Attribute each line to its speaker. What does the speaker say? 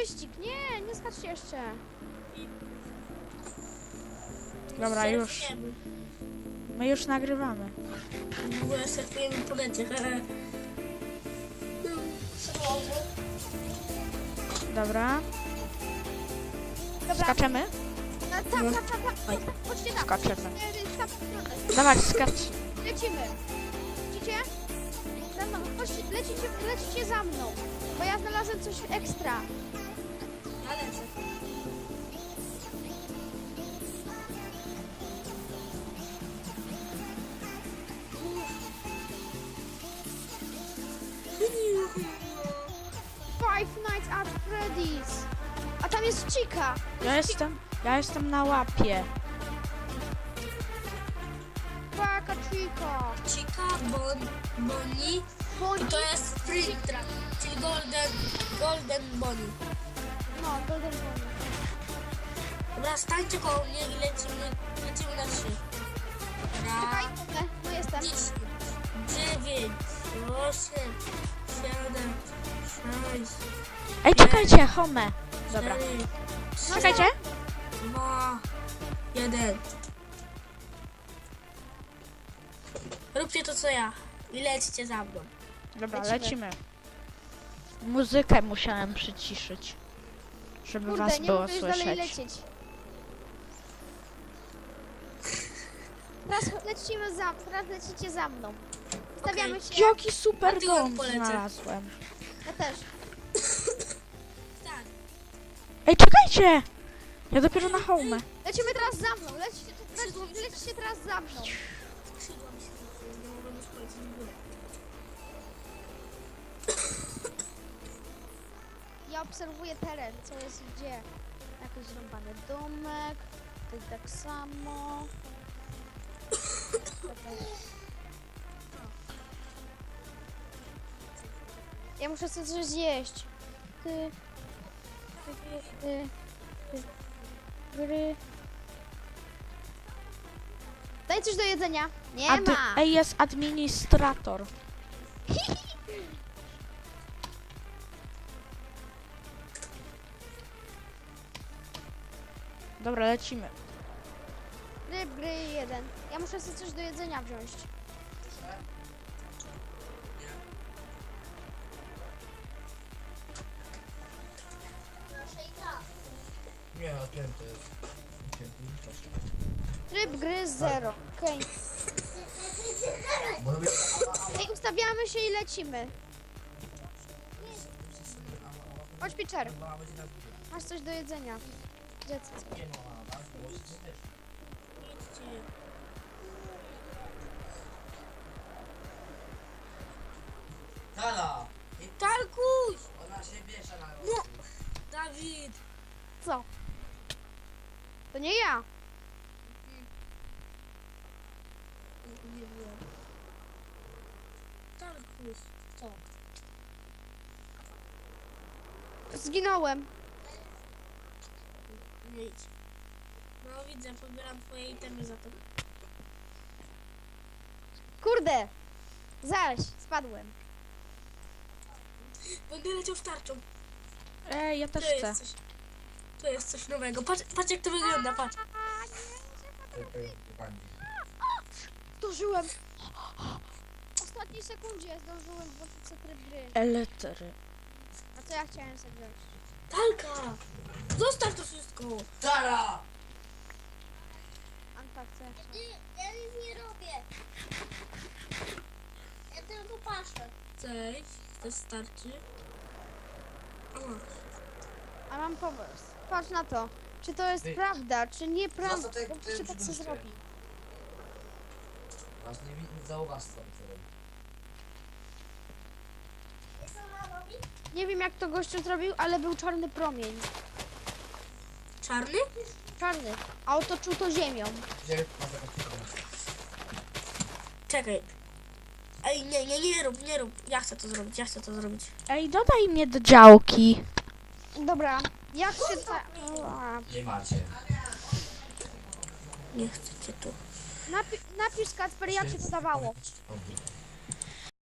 Speaker 1: wyścig. Nie, nie skaczcie jeszcze.
Speaker 2: Dobra, już. My już nagrywamy.
Speaker 3: W ogóle surfujemy po necie.
Speaker 2: Dobra.
Speaker 1: Dobra.
Speaker 2: Skaczemy?
Speaker 1: Tam. Chodźcie tam.
Speaker 2: Skaczemy.
Speaker 1: Tam, w stronę.
Speaker 2: Dawaj, skacz.
Speaker 1: Lecimy. Widzicie? Za mną. Chodźcie, lecicie za mną. Bo ja znalazłem coś ekstra.
Speaker 3: Ja lecę.
Speaker 1: Five Nights at Freddy's. A tam jest Chica.
Speaker 2: Ja jestem na łapie.
Speaker 1: Paka Chica.
Speaker 3: Chica, Bonnie i to jest Spring Trap, czyli Golden Bonnie.
Speaker 1: No, Golden Bonnie.
Speaker 3: Dobra, stańcie koło mnie i lecimy na 3.
Speaker 1: Czekaj, no jestem.
Speaker 3: 10, 9, 8, 7, 6,
Speaker 2: Ej, czekajcie, home. Dobra.
Speaker 3: 4,
Speaker 2: Czekajcie.
Speaker 3: 2, 1. Róbcie to co ja i lećcie za mną.
Speaker 2: Dobra,
Speaker 1: Lecimy.
Speaker 2: lecimy. Muzykę musiałem przyciszyć, żeby
Speaker 1: Kurde,
Speaker 2: was
Speaker 1: nie
Speaker 2: było
Speaker 1: mogę już dalej
Speaker 2: słyszeć.
Speaker 1: lecieć. Teraz lecicie za mną. Stawiamy się.
Speaker 2: Jaki super
Speaker 3: A tyłem
Speaker 2: dom
Speaker 3: polecę.
Speaker 2: znalazłem.
Speaker 1: Ja też.
Speaker 3: Tak.
Speaker 2: Ej, czekajcie! Ja dopiero na home.
Speaker 1: Lecimy teraz za mną. Lecicie teraz za mną.
Speaker 3: Skrzydła mi się zaczęły, nie mogłem już polecieć w górę.
Speaker 1: Ja obserwuję teren, co jest gdzie. Jakiś zrąbany domek. Tutaj tak samo. Ja muszę sobie coś zjeść. Gry. Daj coś do jedzenia. Nie ma.
Speaker 2: Ej, jest administrator. Dobra, lecimy.
Speaker 1: Ryb gry 1. Ja muszę sobie coś do jedzenia wziąć.
Speaker 4: Nie, odpięty jest.
Speaker 1: Ryb gry 0. Okej.
Speaker 4: Bo robię...
Speaker 1: Ej, ustawiamy się i lecimy. Chodź, Pitcher. Masz coś do jedzenia. Dziecko.
Speaker 4: Tala!
Speaker 3: Tarkuś!
Speaker 4: Ona się bierze na...
Speaker 3: No! Dawid!
Speaker 1: Co? To nie ja.
Speaker 3: Nie wiem. Tarkuś! Co?
Speaker 1: Zginąłem.
Speaker 3: Nie idź. No widzę, pobieram twoje itemy za to.
Speaker 1: Kurde. Zaś, spadłem.
Speaker 3: Będę leciał w tarczą.
Speaker 2: Ej, ja też
Speaker 3: To
Speaker 2: chcę.
Speaker 3: jest coś. To jest coś nowego. Patrz jak to wygląda, patrz.
Speaker 1: Zdążyłem. W ostatniej sekundzie zdążyłem włączyć sobie tryb gry.
Speaker 2: Elektry.
Speaker 1: A co ja chciałem sobie wziąć?
Speaker 3: Talka! Zostaw to wszystko!
Speaker 4: Tala!
Speaker 1: Anka, co ja chciałem?
Speaker 5: Ja nic nie robię. Ja tylko patrzę.
Speaker 3: Cześć, to starczy. O,
Speaker 1: A mam pomysł. Patrz na to. Czy to jest
Speaker 4: Ty.
Speaker 1: prawda, czy nieprawda?
Speaker 4: Zostaw te-
Speaker 1: Bo
Speaker 4: te
Speaker 1: się tak co
Speaker 4: brzuszki.
Speaker 1: zrobi.
Speaker 4: Masz nie zauważ co to robi.
Speaker 5: Co ma robić?
Speaker 1: Nie wiem jak to gościu zrobił, ale był czarny promień.
Speaker 3: czarny?
Speaker 1: Czarny. A otoczył to ziemią.
Speaker 4: Gdzie masz taką
Speaker 3: Czekaj. Ej, nie rób. Ja chcę to zrobić.
Speaker 2: Ej, dodaj mnie do działki.
Speaker 1: Dobra. Jak się ta... Ua.
Speaker 4: Nie macie.
Speaker 3: Nie chcecie tu.
Speaker 1: Napisz Kacper, jak się to dawało.
Speaker 4: Dobra.